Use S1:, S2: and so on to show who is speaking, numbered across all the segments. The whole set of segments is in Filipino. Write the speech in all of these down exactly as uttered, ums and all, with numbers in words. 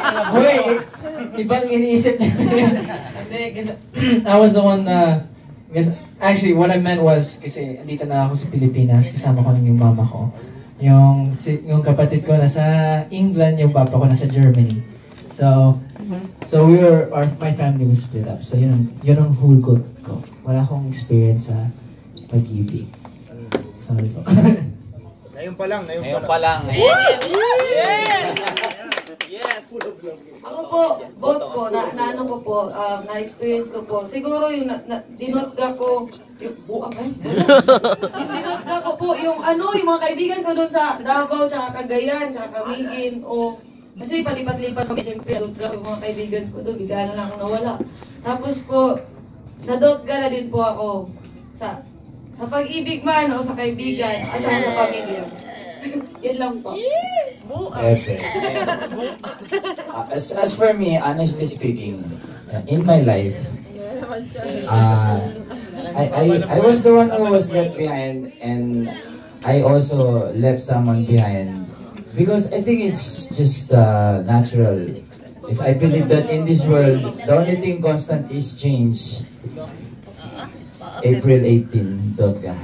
S1: Hoy, ibang iniisip niya. Hindi, kasi I was the one na, uh, actually, what I meant was, kasi andito na ako sa Pilipinas, kasama ko lang yung mama ko. Yung, yung kapatid ko nasa England, yung papa ko nasa Germany. So, so we were, our, my family was split up. So yun ang, yun ang hugot ko. Wala akong experience sa pag-ibig. Sorry po.
S2: Ngayon pa lang, ngayon,
S3: Ngayon
S2: pa lang.
S3: pa lang.
S4: Yes!
S3: Yes!
S4: Ako po, both po, na, na ano ko po, um, na-experience ko po. Siguro yung na, na, dinotga ko, yung buang ay, yung dinotga ko po, yung ano, yung mga kaibigan ko doon sa Davao, tsaka Cagayan, tsaka Camiguin, o kasi palipat-lipat ko, siyempre, nadotga ko yung mga kaibigan ko doon, bigla na lang ako nawala. Tapos po, nadotga na din po ako sa sa pag-ibig man o sa kaibigan, at saka sa pamilya. Yan lang po.
S5: Epe. Uh, as, as for me, honestly speaking, uh, in my life, uh, I, I, I was the one who was left behind, and I also left someone behind because I think it's just uh, natural. If I believe that in this world, the only thing constant is change. April eighteenth, Dotga.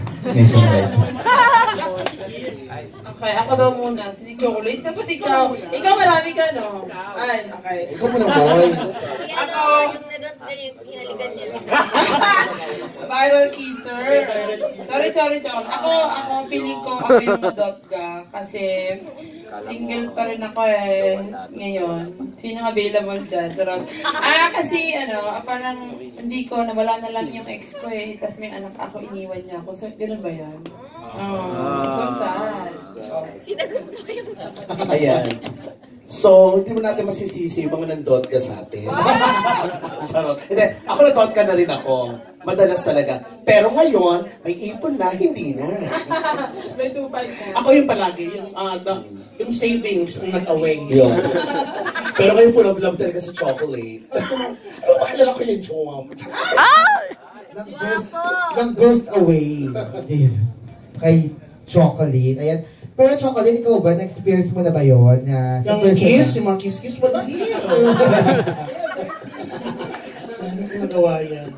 S6: Okay, ako daw muna. Si Chocolate. Dapat ikaw. Ikaw marami ka, no? Ay, okay.
S2: Ikaw muna, boy.
S7: Si ano, yung nadot na yung hinalikan niya.
S6: Viral kisser. Sorry, sorry, Chong. Ako, ako, feeling ko ako yung nadot ka. Kasi single pa rin ako eh. Ngayon. Sino available dyan? Sarap. Ah, kasi ano, parang hindi ko, nawala na lang yung ex ko eh. Tapos may anak ako, iniwan niya ako. So, ganun ba yan? Oh, so sad.
S7: Sinagot mo yung
S2: Ayan. So, hindi mo natin masisisi yung mga nandot ka sa atin. Sarot. Hindi, ako nandot ka na rin ako. Madalas talaga. Pero ngayon, may ipon na, hindi na.
S6: May tupay na.
S2: Ako yung palagi, yung, uh, the, yung savings ang nag-away. Pero kayo full of love talaga sa chocolate. Ano ba kilala ko yung jowa mo?
S8: Nang ghost, nang ghost away. Kay Chocolate. Ayan. Pero Chocolate, ikaw ba? Na-experience mo na ba yun? Na,
S2: Yung kiss, yung mga kiss-kiss, wala here. Ano ko nagawa yan?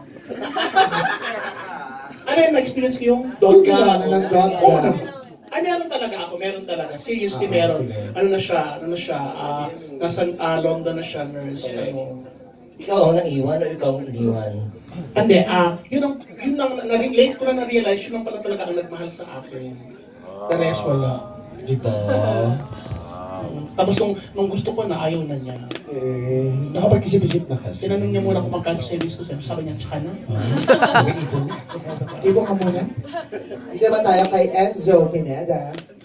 S2: Ano yung na-experience ko yung dotga?
S8: Ano ng dotga?
S2: Oo naman. Ay, meron talaga ako, meron talaga. Seriously,
S8: Ah,
S2: meron.
S8: sige.
S2: Ano na siya, ano na siya, ah, nasa ah, London na siya, nurse, ano.
S9: Ikaw ang naiwan o ikaw ang iniwan?
S2: Hindi, ah, yun ang, yun ang, na-relate ko na na-realize, yun ang pala talaga ang nagmahal sa akin. The rest, wala.
S9: Diba?
S2: Um, Tapos nung, nung gusto ko na, ayaw na niya.
S8: Eh, nakapag-isip-isip na kasi.
S2: Tinanong niya muna kung magkano service ko, sabi niya, tsaka na.
S8: Ibo ka muna. Hindi ba tayo kay Enzo Pineda?